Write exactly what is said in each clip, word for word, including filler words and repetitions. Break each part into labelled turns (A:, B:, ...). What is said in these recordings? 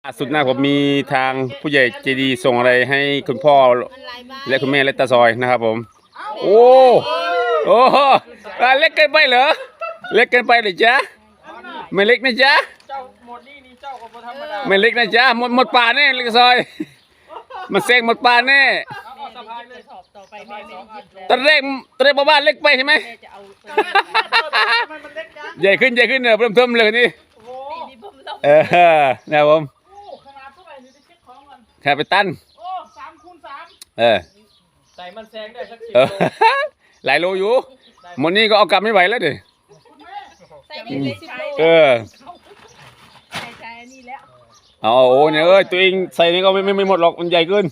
A: ล่าสุดนะผมมีทางผู้ใหญ่ใจดีส่งอะไรให้คุณพ่อและคุณแม่และตาซอยนะครับผมโอ้โอ้เล็กเกินไปเหรอเล็กเกินไปเลยจ๊ะไม่เล็กนะจ๊ะไม่เล็กนะจ๊ะหมดหมดป่าแน่เล็กซอยมันเซ็งหมดป่าแน่ตอนแรกตอนแรกบ้านเล็กไปใช่ไหมใหญ่ขึ้นใหญ่ขึ้นเนอะเพิ่มเติมเลยนี่เออนะครับผมแค่ไปตั้น
B: โอ้สามคูณสาม
A: เออ
B: ใส่มันแซงได้สักสิบโล
A: หลายโลอยู่หมดนี้ก็เอากลับไม่ไหวแล้วดิ
C: ใส่ได้เลยสิบโล
A: เออ
C: ใส่ใส่อันนี้แล้ว
A: เอาโอ้เนี่ยเอ้ยตัวเองใส่นี่ก็ไม่ไม่ไม่หมดหรอกมันใหญ่เกิน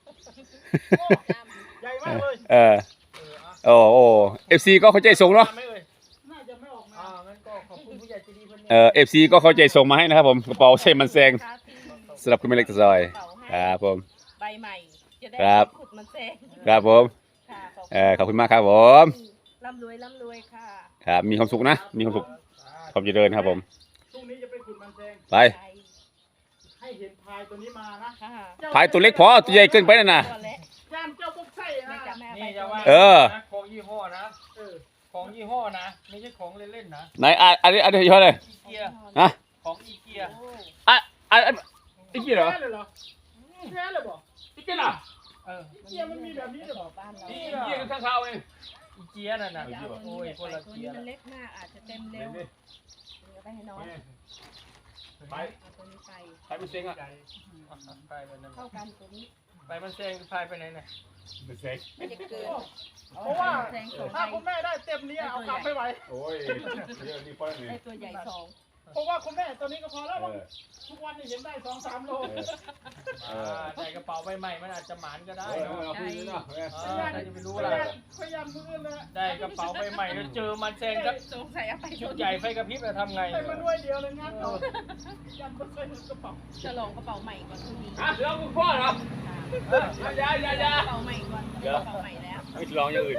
B: ใหญ่มากเลย
A: เออโอ้โอ้เอฟซีก็เข้าใจส่งเนาะ
B: น่าจะไม่ออกมาอ่างั้นก็ขอบคุณผู้ใหญ่ใจดีเพิ่น
A: เออเอฟซีก็เข้าใจส่งมาให้นะครับผมกระเป๋าใส่มันแซงสำหรับคุณแม่เล็กตะซอยครับผม
C: ใบใหม่จะได้ขุดมันแซง
A: ครับผมเออขอบคุณมากครับผม
C: ร่ำรวยร่ำรวยค่ะ
A: ครับมีความสุขนะมีความสุขความเจริญครับผม
B: พรุ่งนี้จะไปขุดมันแซง
A: ไป
B: ให้เห็นพายตัวนี้มานะ
A: พายตัวเล็กพอตัวใหญ่เกินไปนะน่ะ
B: ย่านเจ้าต้องใช่นะ
C: นี่จะว่า
A: เออ
B: ของยี่ห้อนะเออของยี่ห้อนะไม่ใช่ของเล่นๆนะ
A: ไหนอ่ะอันนี้อันนี้ยี่ห้ออะไร
B: อีเกีย
A: ฮะ
B: ของอีเกีย
A: อ่ะอ่ะอีเกียเหรอ
B: แค่เลยบอก
A: อีเกียเหรอ
B: เอออีเกียมันมีแบบนี้เหรอ
C: บ้านเรา
B: อี
A: เกียข้างเขาเอง
B: อีเกียนั่นน่ะโอ้ยคนละเกีย
C: มันเล็กมากอาจจะเต็มเร็วไปให้น้อง
A: ไป
C: ตัวนี้ไป
A: ไปมันเซ็งอ่ะ
C: เข้ากันตัวนี้
B: ไปมันเซ็งพายไปไหนเนี่ย
A: มันเซ็ง
C: ไม่จะเกิน
B: เพราะว่าถ้าคุณแม่ได้เต็มนี้เอากลับไม่ไหว
A: โอ้ยเยอะนี่ป้อนนี่
C: ได้ตัวใหญ่สอง
B: เพราะว่าคุณแม่ตัวนี้ก็พอแล้วทุกวันนี้เห็นได้สองสามโลใส่กระเป๋าใบใหม่มันอาจจะหมานก็ได้เนาะใครจะไปรู้ล่ะพยายามมือเลยได้กระเป๋าใบใหม่แล้วเจอมันแซงสัก
C: สงสัยเอาไป
B: ชุดใหญ่ไฟกระพริบจะทำไง
C: ใส่
B: มาด้วยเดียวเลยงั้นเรายันไม่เคยกระเป๋า
C: จะลองกระเป๋าใหม่ก่อนพรุ่งนี้
A: อ่ะเดี๋ยวคุณพ่อเหรอ
C: อยาอยาอยากระเป๋าใหม่ก่อนกระเป๋าใหม่แล้ว
A: ไม่ลองอย่างอื่น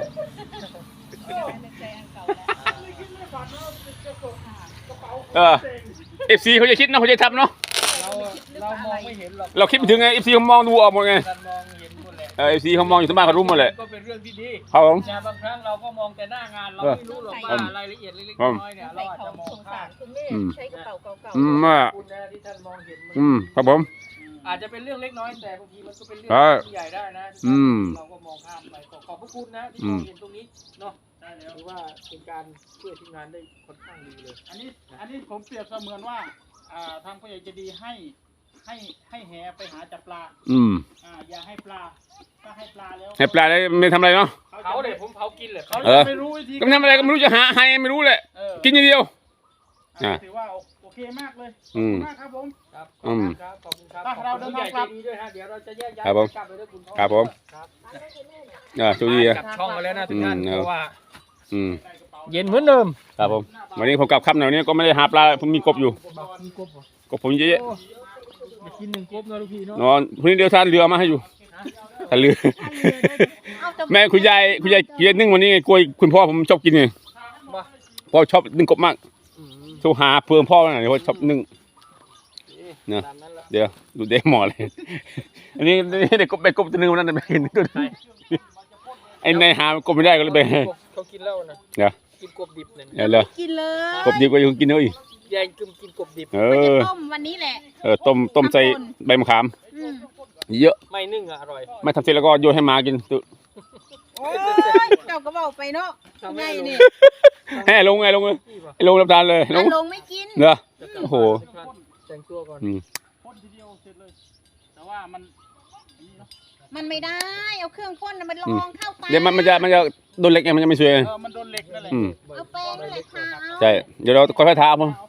A: เออเอฟซีเขาจะคิดนะเขาจะทำเนาะ
B: เราเรามองไม่เห็นหรอก
A: เราคิดไปถึงไงเอฟซีเขามองดูออกหมดไงเออเอฟซีเขามองอยู่ที่บ้านเขารู้หมดเลย
B: ก็เป็นเรื่องที่ดี
A: ครับผม
B: แต่บางครั้งเราก็มองแต่หน้างานเราไม่รู้หรอกว่ารายละเอียดเล็กๆน้อยๆเนี่ยเราอาจจะมองข้าม
C: คุณแม่ใช้กระเป๋าเก่าๆ
A: อืมอ่ะ
B: คุณนะที่ท่านมองเห็น
A: อืมครับผม
B: อาจจะเป็นเรื่องเล็กน้อยแต่บางทีมันก็เป็นเรื่องที่ใหญ่ได้นะเราก็มองข้ามไปขอบพระคุณนะที่มองเห็นตรงนี้เนาะถือว่าเป็นการช่วยทีมงานได้ค่อนข้างดีเลยอันนี้อันนี้ผมเปรียบเสมือนว่าอ่าทางผู้ใหญ่จะดีให้ให้ให้แหไปหาจับปลา
A: อืม
B: อ่าอย่าให้ปลาถ้าให้ปลาแล้ว
A: ให้ปลาได้ไม่ทำอะไรเนาะ
B: เขาเดี๋ยวผมเผากินเลยเขาไม่รู้วิธี
A: ก็ทำอะไรก็ไม่รู้จะหาให้ไม่รู้แหละกินอย่างเดียว
B: ถือว่าโอเคมากเลย
A: อืม
B: ครับผม
A: ครับ
B: อืมครับขอบคุณครับเราเดินทางกลับด้วยฮะเดี๋ยวเราจะแยกย้ายกลับไปด้วยคุณพ่อ
A: ครับผมอ่าโชคดีอ่ะ
B: กลับช่องมาแล้วนะทุกท่านเพราะว่า
A: อืม
B: เย็นเหมือนเดิม
A: ครับผมวันนี้ผมกลับค่ำหน่อยนี้ก็ไม่ได้หาปลาผมมีกบอยู่กบผมเยอะ
B: กินหนึ่งกบนะลูกพี่เนาะ
A: นอนพรุ่งนี้เดี๋ยวท่านเรือมาให้อยู่ท่านเรือแม่คุณยายคุณยายเกียนึ่งวันนี้กล้วยคุณพ่อผมชอบกินไงพ่อชอบนึ่งกบมากโทรหาเพื่อนพ่อหน่อยเพราะชอบนึ่งเนี่ยเดี๋ยวดูเด็กหมอเลยอันนี้เด็กกบไปกบตัวนึงวันนั้นไปเห็นตัวนึงไอ้นายหากบไม่ได้ก็เลยไป
B: เขากินแล้วนะ
A: เดี๋ยว
B: กินกบดิบเนี่ย
A: เดี๋ยว
C: กินเลย
A: กบดิบก็ยังกินเลย
B: ยายกินกินกบดิบ
A: เออ
C: ต้มวันนี้แหละ
A: เออต้มต้มใส่ใบมะขามเยอะ
B: ไม่นึ่งอ่ะอร่อย
A: ไม่ทำเสร็จแล้วก็โยนให้หมากินตุ๊
C: โอ้ยเจ้าก็บอกไปเนาะไงนี่
A: ให้ลงไงลงเลยลงรับทานเลย
C: ลงลงไม่กิน
A: เนอะโอ้โห
B: แต่งตัวก่อนพ่นทีเดียวเสร็จเลยแต่ว่ามัน
C: มันไม่ได้เอาเครื่องพ่นมันลองเข้าไป
A: เดี๋ยวมันมันจะมันจะโดนเหล็กไงมันจะไม่สวย
B: เออมันโดนเหล็กนั่นแหละ
C: เอาแป้งนั่นแหละทา
A: ใช่เดี๋ยวเราค่อยๆทามั้ง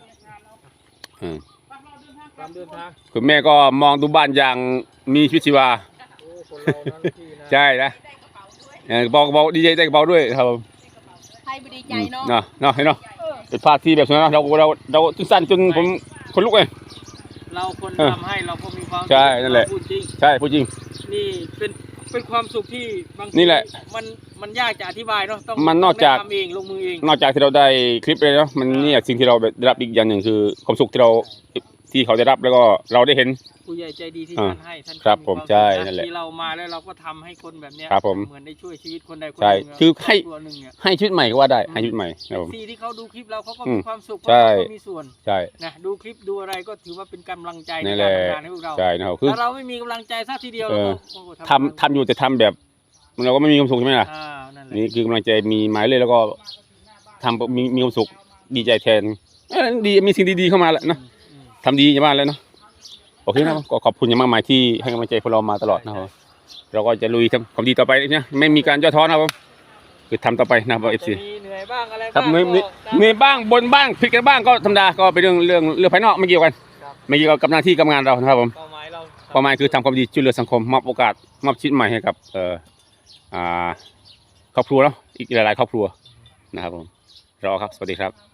A: คุณแม่ก็มองดูบ้านอย่างมีชีวิตชีวาใช่นะบอกบอกดีใจใจกระเป๋าด้วยครับผม
C: ใครไม่ดีใจเนาะ
A: เนาะเนาะเห็นเนาะเป็นภาพที่แบบนั้นเราเราเราตึ้งสั้นจนผมคนลุกเลย
B: เราคนทำให้เราก็มีความ
A: ใช่นั่นแหละใช่พูดจริง
B: นี่เป็นเป็นความสุขที่บางที
A: นี่แหละ
B: มันมันยากจะอธิบายเนาะต้อง
A: มันนอกจาก
B: ทำเองลงมือเอง
A: นอกจากที่เราได้คลิปเลยเนาะมันนี่สิ่งที่เราได้รับอีกอย่างหนึ่งคือความสุขที่เราที่เขาได้รับแล้วก็เราได้เห็น
B: ผู้ใหญ่ใจดีที่
A: อ่า
B: ท่านให้ท่าน
A: ครับผม
B: วา
A: ใช่
B: สุข
A: นั่นแหละ
B: ที่เรามาแล้วเราก็ทำให้คนแบบเนี้ย
A: ครับผม
B: เหมือนได้ช่วยชีวิตคนใดคน
A: ใช่
B: หนึ่ง
A: คือให้
B: ตัวหนึ่งเนี่ย
A: ให้ชีวิตใหม่ก็ว่าได้ให้ชีวิตใหม่ครับผม
B: ซีที่เขาดูคลิปเราเขาก็
A: อื
B: มี
A: ม
B: ความสุขเพ
A: ใช่
B: ราะเขาก็มีส่วน
A: ใช่
B: นะดูคลิปดูอะไรก็ถือว่าเป็นกำลังใจใน
A: นั่น
B: กา
A: แห
B: ร
A: ละ
B: ทำงานให้พวกเรา
A: ใช่นะครับคือ
B: ถ้าเราไม่มีกำลังใจสักทีเดียว
A: เอ
B: เรา
A: อ
B: ก็โอ้โห
A: ทำทำอยู่แต่ทำแบบเราก็ไม่มีความสุขใช่ไหมล่ะ
B: อ่านั่นแหละ
A: นี่คือกำลังใจมีหมายเลยแล้วก็ทำมีมีความสุขดีใจแทนเอ้ยดีมีสิ่งดีๆเข้ามาแล้วนะ
B: อืม
A: ทำดีอย่างบ้านแล้วเนาะโอเคนะครับก็ขอบคุณอย่างมากมายที่ให้กำลังใจพวกเรามาตลอดนะครับเราก็จะลุยทำความดีต่อไปนะไม่มีการย่อท้อนะครับผมคือทำต่อไปนะครับเอฟ
B: จะ
A: ซี
B: มีเหนื่อยบ้างอะไร
A: ครับ
B: บ้าง
A: เหนื่อย
B: ก็
A: เหนื่อยบ้างบนบ้างผิดกันบ้างก็ธรรมดาก็เป็นเรื่องเรื่องเรื่องภายนอกไม่เกี่ยวกัน
B: ครับ
A: ไม่เกี่ยวกับหน้าที่กับงานเรานะครับผม
B: เป้าหมายเรา
A: เป้าหมายคือทำความดีช่วยเหลือสังคมมอบโอกาสมอบชีวิตใหม่ให้กับเอ่ออ่าครอบครัวเนาะอีกหลายๆครอบครัวนะครับผมรอครับสวัสดีครับ